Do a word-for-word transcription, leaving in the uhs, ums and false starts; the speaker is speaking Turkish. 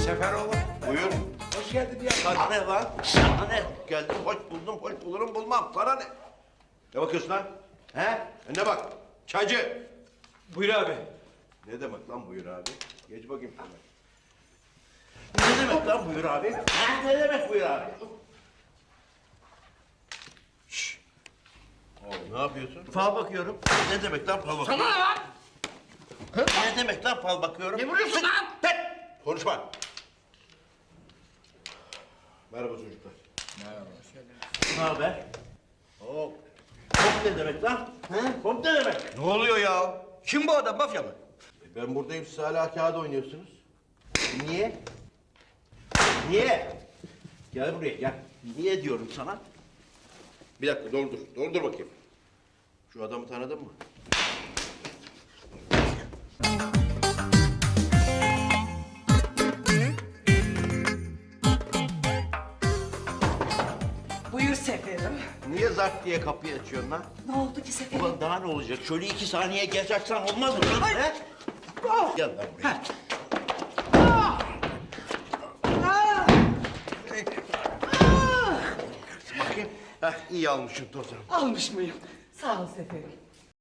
Seferoğlu. Buyur. Hoş geldin ya. Sana ne lan? Sana ne? Geldim hoş buldum, hoş bulurum bulmam. Sana ne? Ne bakıyorsun lan? He? Önüne bak. Çaycı. Buyur abi. Ne demek lan buyur abi? Geç bakayım şuna. Ne demek lan buyur abi? Ha? Ne demek buyur abi? Şşş. Oğlum ne yapıyorsun? Fal bakıyorum. Ne demek lan fal bakıyorum? Sana ne lan? Ne demek lan fal bakıyorum? Ne vuruyorsun lan? Tek! Konuşma. Merhaba çocuklar. Merhaba. Ne haber? Hop. Hop ne demek lan? He? Hop ne demek? Ne oluyor ya? Kim bu adam, mafya mı? E ben buradayım, siz hala kağıt oynuyorsunuz. Niye? Niye? Gel buraya, gel. Niye diyorum sana? Bir dakika, doldur. Doldur bakayım. Şu adamı tanıdın mı? Buyur Seferim. Niye zart diye kapıyı açıyorsun lan? Ne oldu ki Seferim? Ulan daha ne olacak? Şöyle iki saniye geç açsan olmaz mı lan? He? Gel lan buraya. Bakayım. Heh, iyi almışım tozunu. Almış mıyım? Sağ ol Seferim.